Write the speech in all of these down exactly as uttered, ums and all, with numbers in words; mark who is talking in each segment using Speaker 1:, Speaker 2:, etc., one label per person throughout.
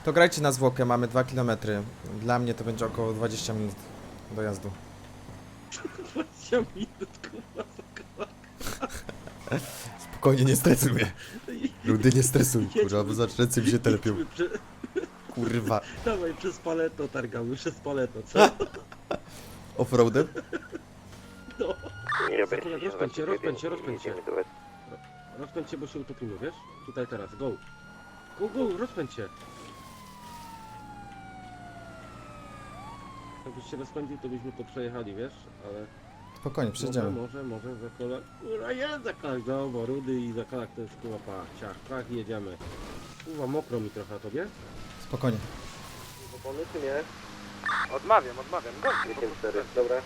Speaker 1: To grajcie na zwłokę, mamy dwa kilometry. Dla mnie to będzie około dwadzieścia minut dojazdu.
Speaker 2: dwadzieścia minut, kurwa,
Speaker 1: Spokojnie, nie stresuj mnie. Ludy, nie stresuj, kurwa, bo zaraz ręce mi się telepią.
Speaker 2: Prze...
Speaker 1: Kurwa.
Speaker 2: Dawaj, przez paleto targamy, przez paleto, co?
Speaker 1: Offroadem?
Speaker 2: No.
Speaker 3: Nie robię.
Speaker 2: Akurat rozpędź się, rozpędź się, rozpędź się. Rozpędź się, bo się utopimy, wiesz? Tutaj teraz, go. Go, go, rozpędź się. Jakbyś się rozpędził, to byśmy to przejechali, wiesz? Ale...
Speaker 1: Spokojnie, przejdziemy.
Speaker 2: Może, może, może, zakolak... Ura, jest zakolak, dobra, rudy i zakolak to jest kurwa pa, ciach, tak, jedziemy. Kurwa, mokro mi trochę, a tobie?
Speaker 1: Spokojnie.
Speaker 2: Opony czy nie?
Speaker 3: Odmawiam, odmawiam.
Speaker 2: dziesięć cztery, dobra.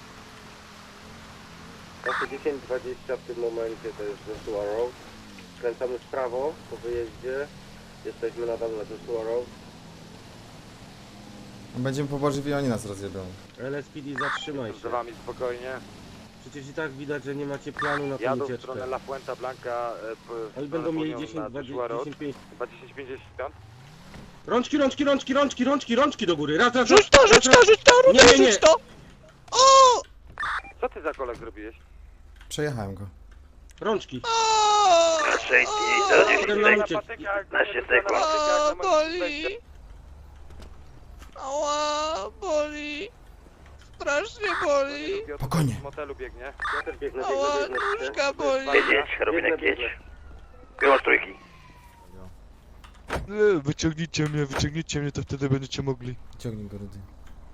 Speaker 2: Właśnie dziesięć dwadzieścia w tym momencie to jest Joshua Road. Skręcamy w prawo po wyjeździe. Jesteśmy nadal na Joshua Road.
Speaker 1: Będziemy po Bożywi, oni nas rozjebią.
Speaker 2: L S P D, zatrzymaj się.
Speaker 3: Z wami spokojnie.
Speaker 2: Przecież i tak widać, że nie macie planu na tą
Speaker 3: Jadą w
Speaker 2: ucieczkę.
Speaker 3: stronę La Fuenta Blanca. E, p,
Speaker 2: Oni będą mieli dziesięć, dwadzieścia, dziesięć, pięć.
Speaker 3: Chyba dziesięć pięćdziesiąt.
Speaker 2: Rączki, rączki, rączki, rączki, rączki, rączki do góry. Raz, raz,
Speaker 4: Rzuć to,
Speaker 2: raz,
Speaker 4: rzuć
Speaker 2: raz,
Speaker 4: to, rzuć to,
Speaker 2: Nie, nie,
Speaker 4: rzuć
Speaker 2: nie.
Speaker 4: rzuć to! O!
Speaker 3: Co ty za kolek zrobiłeś?
Speaker 1: Przejechałem go.
Speaker 2: Rączki.
Speaker 4: O!
Speaker 3: sześć
Speaker 2: Potem nam uciekł.
Speaker 3: piętnaście sekund.
Speaker 4: A, boli! Ała, boli! Strasznie boli!
Speaker 1: Spokojnie.
Speaker 3: Z motelu biegnie.
Speaker 2: Ja też biegnę,
Speaker 4: Ała,
Speaker 2: biegnę, biegnę.
Speaker 4: nóżka boli!
Speaker 2: Robinek, jedź.
Speaker 3: Było z trójki.
Speaker 4: E, Wyciągnijcie mnie, wyciągnijcie mnie, to wtedy będziecie mogli.
Speaker 1: Ciągnij go, Rudy.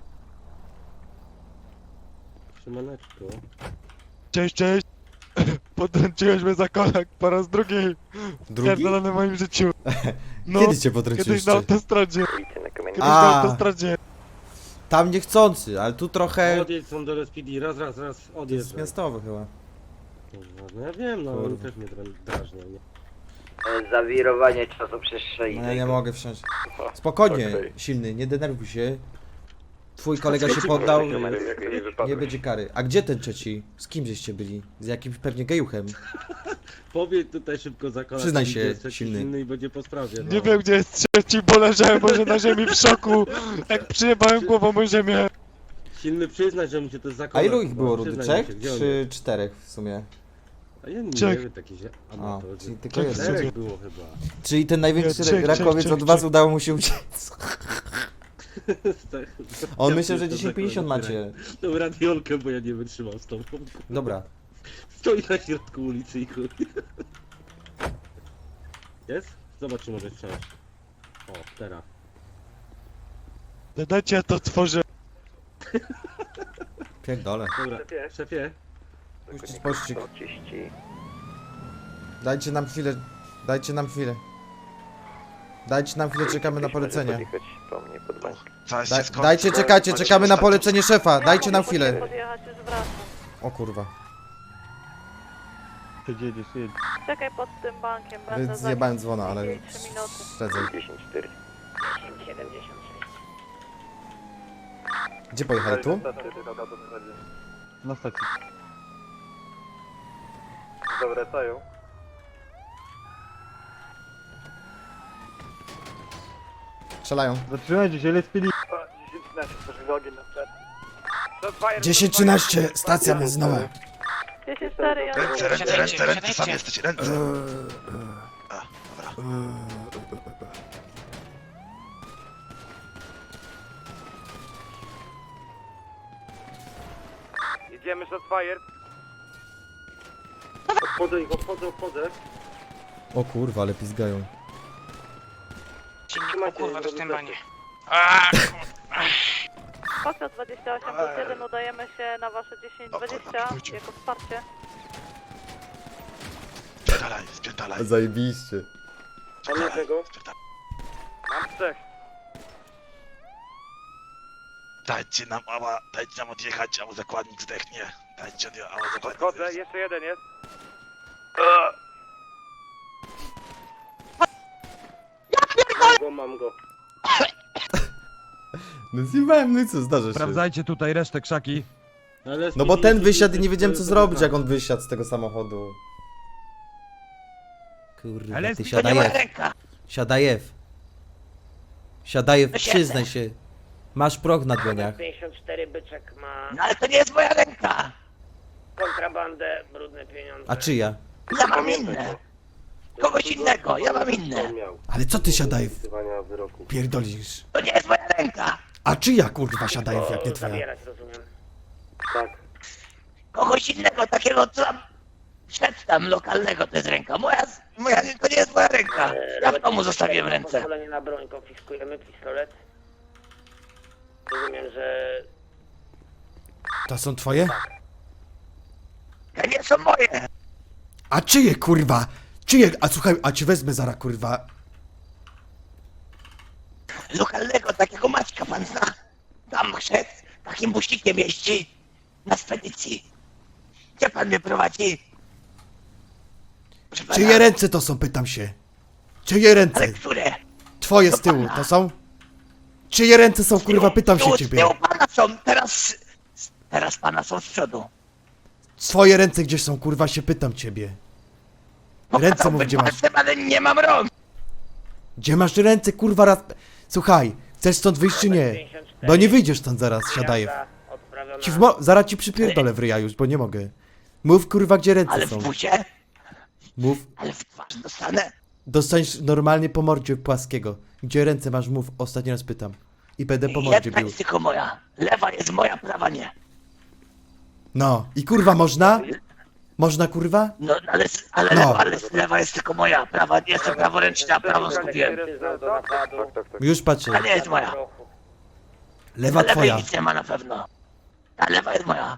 Speaker 2: Trzymaneczko.
Speaker 4: Cześć, cześć! Podręczyłeś mnie za kolak po raz drugi!
Speaker 1: Drugi?
Speaker 4: Pierdolony w moim życiu! No,
Speaker 1: Kiedy cię potrąciłeś?
Speaker 4: kiedyś na autostradzie!
Speaker 3: Ulicy na kamieniu.
Speaker 4: Kiedyś
Speaker 1: A.
Speaker 4: na autostradzie!
Speaker 1: Tam niechcący, ale tu trochę...
Speaker 2: Odjedź są do L S P D, raz, raz, raz,
Speaker 1: To
Speaker 2: odjedź.
Speaker 1: jest miastowy chyba.
Speaker 2: No ja wiem, no oni
Speaker 1: Kurwa.
Speaker 2: też mnie dra- drażnią, nie?
Speaker 5: Zawirowanie czasoprzestrzeni.
Speaker 1: No ja nie mogę wsiąść. Spokojnie,
Speaker 3: Okej.
Speaker 1: silny, nie denerwuj się. Twój kolega się poddał,
Speaker 3: Nie
Speaker 1: nie będzie kary. A gdzie ten trzeci? Z kim żeście byli? Z jakimś pewnie gejuchem.
Speaker 2: Powiedz tutaj szybko za kolak.
Speaker 1: Przyznaj się,
Speaker 2: jest taki
Speaker 1: silny.
Speaker 2: silny i będzie po sprawie, no.
Speaker 4: Nie wiem gdzie jest trzeci, bo leżałem może na ziemi w szoku, jak przyjebałem głową o ziemię.
Speaker 2: Silny przyznać, że mu się to jest za
Speaker 1: A
Speaker 2: kolak.
Speaker 1: ilu ich
Speaker 2: no,
Speaker 1: było, Rudy?
Speaker 2: przyznaj
Speaker 1: Trzech?
Speaker 2: mi się, gdzie on
Speaker 1: Czy
Speaker 2: jest?
Speaker 1: czterech w sumie?
Speaker 2: A ja nie
Speaker 4: Trzech.
Speaker 2: wiem, taki się
Speaker 1: A,
Speaker 2: amatorzy.
Speaker 1: czyli tylko
Speaker 4: Trzech.
Speaker 1: jeden.
Speaker 2: Czterech było chyba.
Speaker 1: Czyli ten największy
Speaker 4: Nie, trzech,
Speaker 1: rakowiec
Speaker 4: trzech,
Speaker 1: od
Speaker 4: trzech,
Speaker 1: was
Speaker 4: trzech.
Speaker 1: udało mu się uciec. On
Speaker 2: Ja
Speaker 1: myślał, że
Speaker 2: pierdolę,
Speaker 1: dziesięć pięćdziesiąt
Speaker 2: kurwa,
Speaker 1: macie.
Speaker 2: Tą radiolkę, bo ja nie wytrzymam z tobą.
Speaker 1: Dobra.
Speaker 2: Stoi na środku ulicy i chuj. Jest? Zobacz, czy możesz wsiąść. O, teraz.
Speaker 4: Dajcie, ja to tworzę.
Speaker 1: Pierdolę.
Speaker 2: Dobra, szefie.
Speaker 1: Puścić pościg.
Speaker 3: trzydzieści.
Speaker 1: Dajcie nam chwilę. Dajcie nam chwilę. Dajcie nam chwilę, czekamy na polecenie.
Speaker 3: Podjechać po mnie pod bank.
Speaker 1: Da, dajcie, czekajcie, czekamy na polecenie szefa. Dajcie nam chwilę.
Speaker 6: Podjechać, już wracam.
Speaker 1: O kurwa.
Speaker 6: Czekaj pod tym bankiem, będę za
Speaker 1: Zjebałem dzwona, ale
Speaker 6: trzy minuty.
Speaker 1: śledzę.
Speaker 3: dziesięć cztery.
Speaker 5: siedemdziesiąt sześć.
Speaker 1: Gdzie pojechali? Tu?
Speaker 4: Na stacji.
Speaker 3: Zawracają.
Speaker 1: Strzelają.
Speaker 4: Zatrzymajcie się, L S P D.
Speaker 1: dziesięć trzynaście, stacja benzynowa.
Speaker 6: dziesięć cztery, ja
Speaker 4: Ręce, ręce, ręce, ręce, sam jesteś, ręce.
Speaker 3: Jedziemy shot fire.
Speaker 2: Obchodzę ich, obchodzę, obchodzę.
Speaker 1: O kurwa, ale pizgają.
Speaker 2: O kurwa, to tym banie.
Speaker 6: Pasja dwadzieścia osiem plus jeden, udajemy się na wasze dziesięć dwadzieścia jako wsparcie.
Speaker 4: Spierdalaj, spierdalaj.
Speaker 1: Zajebiście.
Speaker 2: Mam jednego.
Speaker 3: Mam trzech.
Speaker 4: Dajcie nam, ała, dajcie nam odjechać, ała zakładnik zdechnie. Dajcie od, ała zakładnik
Speaker 3: Podchodzę, jeszcze jeden jest.
Speaker 2: Mam go, mam go.
Speaker 1: No zjebałem, no i co, zdarza się.
Speaker 7: Sprawdzajcie tutaj resztę krzaki.
Speaker 2: Ale
Speaker 1: No bo ten wysiadł i nie wiedziałem co
Speaker 2: to
Speaker 1: zrobić,
Speaker 2: jest
Speaker 1: jak on wysiadł z tego samochodu. Kurwa,
Speaker 7: Ale
Speaker 1: ty
Speaker 7: to nie moja
Speaker 1: siadajew. Siadajew. Siadajew,
Speaker 8: No siedzę.
Speaker 1: przyznaj się. Masz proch na dłoniach.
Speaker 5: pięćdziesiąt cztery byczek ma
Speaker 8: No ale to nie jest moja ręka.
Speaker 5: kontrabandę, brudne pieniądze.
Speaker 1: A czyja?
Speaker 8: Ja mam inne. Kogoś innego, ja mam inne.
Speaker 2: Miał
Speaker 1: Ale co ty, Siadajew,
Speaker 2: wykonywania wyroku.
Speaker 1: pierdolisz?
Speaker 8: To nie jest moja ręka.
Speaker 1: A czyja, kurwa, Siadajew, jak nie twoja?
Speaker 5: Zabierać, rozumiem.
Speaker 2: Tak.
Speaker 8: Kogoś innego, takiego co tam przedtem lokalnego to jest ręka. Moja, moja, to nie jest moja ręka. Ja w domu zostawiłem ręce.
Speaker 5: Pozwolenie na broń, konfiskujemy pistolet. Rozumiem, że
Speaker 1: To są twoje?
Speaker 8: To nie są moje.
Speaker 1: A czyje, kurwa? Czyje? A słuchaj, a ci wezmę zara, kurwa.
Speaker 8: Lokalnego, takiego Maćka pan zna. Tam szedł, takim buścikiem jeździ na spedycji. Gdzie pan mnie prowadzi? Proszę pana,
Speaker 1: Czyje ręce to są, pytam się. Czyje ręce?
Speaker 8: ale które?
Speaker 1: Twoje z tyłu, to są? Czyje ręce są, kurwa, pytam się
Speaker 8: Tu,
Speaker 1: ciebie.
Speaker 8: Z tyłu pana są, teraz... Teraz pana są z przodu.
Speaker 1: Swoje ręce gdzieś są, kurwa, się pytam ciebie. Ręce mów,
Speaker 8: Pokazałbym
Speaker 1: gdzie masz.
Speaker 8: palcem, ale nie mam rąk.
Speaker 1: Gdzie masz ręce, kurwa, raz... Słuchaj, chcesz stąd wyjść czy nie? Bo nie wyjdziesz stąd zaraz, Siadajew.
Speaker 5: odprawiona.
Speaker 1: Ci w mo... Zaraz ci przypierdolę w ryja już, bo nie mogę. Mów, kurwa, gdzie ręce
Speaker 8: Ale w
Speaker 1: są.
Speaker 8: bucie,
Speaker 1: Mów.
Speaker 8: ale w twarz dostanę.
Speaker 1: Dostaniesz normalnie po mordzie płaskiego. Gdzie ręce masz, mów, ostatni raz pytam. I będę po mordzie
Speaker 8: Jedna
Speaker 1: bił.
Speaker 8: jest tylko moja. Lewa jest moja, prawa nie.
Speaker 1: No, i kurwa można? Można, kurwa?
Speaker 8: No, ale, ale,
Speaker 1: No.
Speaker 8: lewa, ale lewa jest tylko moja. Prawa nie jestem praworęczny, a prawo skupiłem.
Speaker 5: Przyznał do napadu.
Speaker 2: Tak, tak, tak.
Speaker 1: Już patrzę.
Speaker 8: Ta nie jest moja.
Speaker 1: Lewa
Speaker 8: Na lewej
Speaker 1: twoja.
Speaker 8: nic nie ma na pewno. Ta lewa jest moja.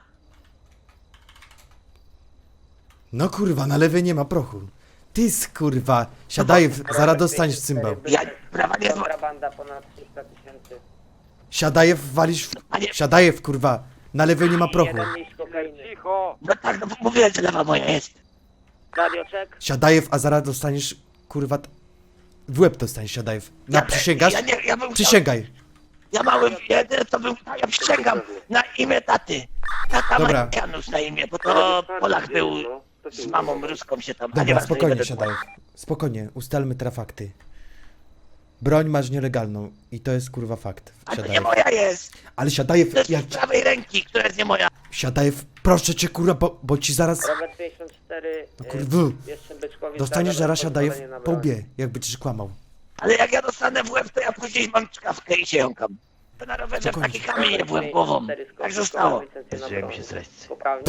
Speaker 1: No kurwa, na lewej nie ma prochu. Ty kurwa, siadaj, zaraz dostaniesz cymbał.
Speaker 8: Ja, prawa nie jest moja.
Speaker 5: Kontrabanda ponad trzysta tysięcy.
Speaker 1: Siadajew, walisz w...
Speaker 8: Panie,
Speaker 1: Siadajew, kurwa. Na lewej nie ma prochu.
Speaker 5: Jeden liść kokainy.
Speaker 3: Cicho!
Speaker 8: no tak, no mówiłem, że lewa moja jest.
Speaker 5: Radioczek.
Speaker 1: Siadajew, a zaraz dostaniesz, kurwa... t- W łeb dostaniesz, Siadajew. Na,
Speaker 8: Ja-
Speaker 1: przysięgasz?
Speaker 8: Ja, nie, ja bym chciał,
Speaker 1: Przysięgaj.
Speaker 8: ja mały jedyne to bym, ja przysięgam na imię taty. Tata
Speaker 1: Dobra.
Speaker 8: ma Janusz na imię, bo to Polak był z mamą ruską się tam. a
Speaker 1: Dobra,
Speaker 8: nieważne, nie
Speaker 1: spokojnie,
Speaker 8: będę
Speaker 1: Siadajew. Spokojnie, ustalmy teraz fakty. Broń masz nielegalną i to jest kurwa fakt.
Speaker 8: A to nie
Speaker 1: Siadajew.
Speaker 8: moja jest.
Speaker 1: Ale Siadajew,
Speaker 8: To jest
Speaker 1: jak...
Speaker 8: z prawej ręki, która jest nie moja.
Speaker 1: Siadajew, proszę cię, kurwa, bo, bo ci zaraz...
Speaker 5: Robert pięćdziesiąt cztery.
Speaker 1: No
Speaker 5: y,
Speaker 1: kurwa.
Speaker 5: Jeszcze byczkowi
Speaker 1: Dostaniesz zaraz,
Speaker 5: pozwolenie
Speaker 1: Siadajew,
Speaker 5: na
Speaker 1: po
Speaker 5: broń.
Speaker 1: łbie, jakby ci kłamał.
Speaker 8: Ale jak ja dostanę w łeb, to ja później mam czkawkę i się jąkam. To na rowerze w taki kamień nie byłem głową. Tak zostało.
Speaker 5: Zaczęłem
Speaker 4: się zreść.
Speaker 5: Poprawnie.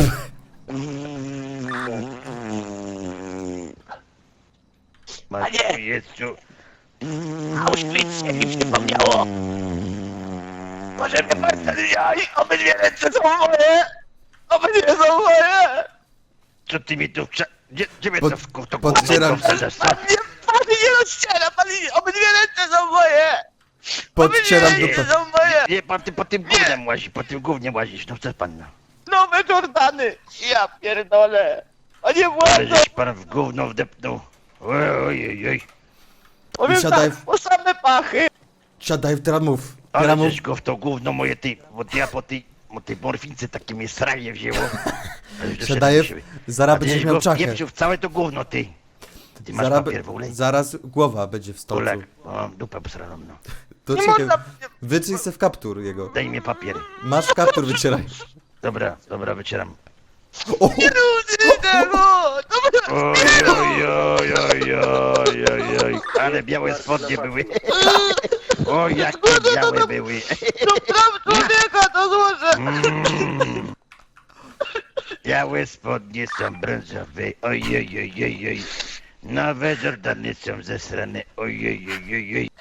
Speaker 8: Panie!
Speaker 4: Jezu.
Speaker 8: Auschwitz się mi przypomniało. Może mnie pan zabijaj, obydwie ręce są moje! Obydwie są moje!
Speaker 4: Co ty mi tu wcza... Gdzie, gdzie mnie
Speaker 1: Pod-
Speaker 4: to w to
Speaker 1: podcieram
Speaker 4: gówno
Speaker 1: cię.
Speaker 4: wsadzasz, co?
Speaker 8: Pan nie, pan nie rozciera, pan nie, obydwie ręce są moje!
Speaker 1: Podcieram
Speaker 8: Obydwie
Speaker 1: dupę.
Speaker 8: ręce są moje!
Speaker 4: Nie, pan ty po tym gównem łazisz, po tym gównem łazisz, no co pan no?
Speaker 8: Nowe Jordany! Ja pierdolę! Panie
Speaker 4: Ale
Speaker 8: władzo!
Speaker 4: żeś pan w gówno wdepnął. Oj, oj, oj.
Speaker 8: Powiem
Speaker 1: siadaj
Speaker 8: tak,
Speaker 1: w-
Speaker 8: po same pachy!
Speaker 1: Siadajew, teraz mów.
Speaker 4: Ale
Speaker 1: Teraz mów.
Speaker 4: żeś go w to gówno moje ty, bo ja po tej, po tej morfince takie mnie sranie wzięło. Ale już doszedłem
Speaker 1: Siadajew,
Speaker 4: do siebie.
Speaker 1: zaraz
Speaker 4: A ty
Speaker 1: będziesz
Speaker 4: żeś
Speaker 1: miał
Speaker 4: go
Speaker 1: czachę.
Speaker 4: wpieprzył w całe to gówno, ty. Ty masz
Speaker 1: Zaraz,
Speaker 4: papier w ogóle?
Speaker 1: zaraz głowa będzie w stolcu.
Speaker 4: Kulek. O, mam dupę posraną, no.
Speaker 1: To
Speaker 8: Nie
Speaker 1: czekaj,
Speaker 8: można...
Speaker 1: wytrzyj se w kaptur jego.
Speaker 4: Daj mi papier.
Speaker 1: Masz w kaptur, wycieraj.
Speaker 4: Dobra, dobra, wycieram.
Speaker 1: O,
Speaker 8: Nie ludzie tego! Dobra!
Speaker 4: Oj, oj, oj, oj, oj, oj, oj. Ale białe spodnie były. O, jakie białe były.
Speaker 8: To praw człowieka to złożę!
Speaker 4: Mm. Białe spodnie są brązowe. Oj, oj, oj, oj, oj. Nowe Jordany są zesrane. Oj, oj, oj, oj, oj.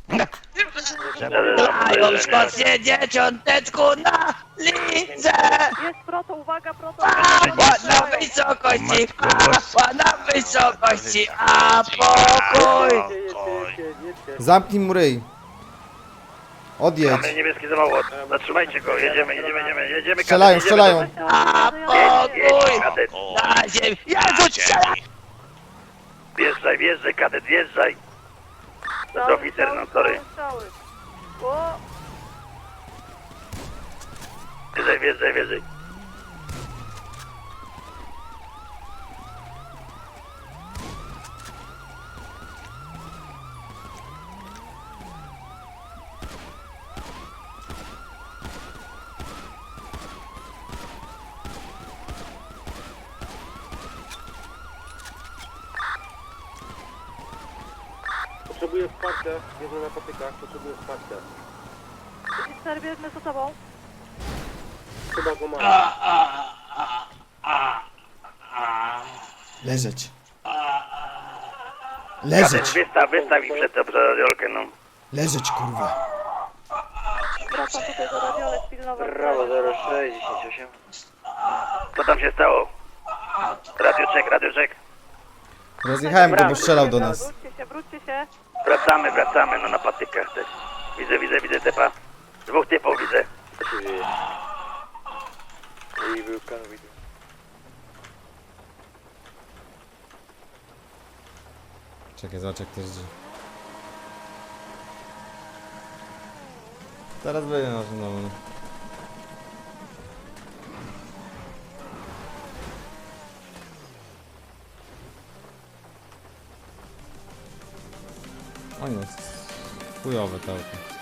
Speaker 8: Dają Szkocję dzieciąteczku na lidze!
Speaker 6: Jest proto, uwaga, proto.
Speaker 8: Pała na wysokości, pała na wysokości, a pokój!
Speaker 1: zamknij mu ryj. Odjedź.
Speaker 4: Mamy niebieski samochód. Zatrzymajcie go. Jedziemy, jedziemy, jedziemy, jedziemy.
Speaker 1: Strzelają,
Speaker 4: kadet, jedziemy.
Speaker 1: strzelają.
Speaker 8: A pokój!
Speaker 4: Kadet,
Speaker 8: Na ziemi! Jezu, strzela!
Speaker 4: wjeżdżaj, wjeżdżaj, kadet, wjeżdżaj.
Speaker 6: Strzały,
Speaker 4: oficer, no,
Speaker 6: strzały,
Speaker 4: sorry.
Speaker 6: strzały. O,
Speaker 4: Wjeżdżaj, wjeżdżaj, wjeżdżaj.
Speaker 2: Potrzebuję wsparcia, biegnę na patykach, potrzebuję wsparcia.
Speaker 6: dziesięć cztery bierzmy za sobą.
Speaker 2: Chyba go mam.
Speaker 1: Leżeć. Leżeć.
Speaker 4: Wystaw, wystaw ich przed tą radiolkę, no.
Speaker 1: Leżeć, kurwa.
Speaker 6: Wracam tutaj do radiolek, pilnować.
Speaker 3: sześć, dziesięć osiem.
Speaker 4: Co tam się stało? Radioczek, radioczek.
Speaker 1: Rozjechałem go, bo strzelał do nas.
Speaker 6: Wróćcie się, wróćcie się.
Speaker 4: Wracamy, wracamy, no na patykach też. Widzę, widzę, widzę typa. Dwóch typów widzę.
Speaker 3: Co się dzieje? I był kan widzę.
Speaker 1: Czekaj, zobacz jak to jest. Teraz będzie nasz numer. O nie, chujowe to auto.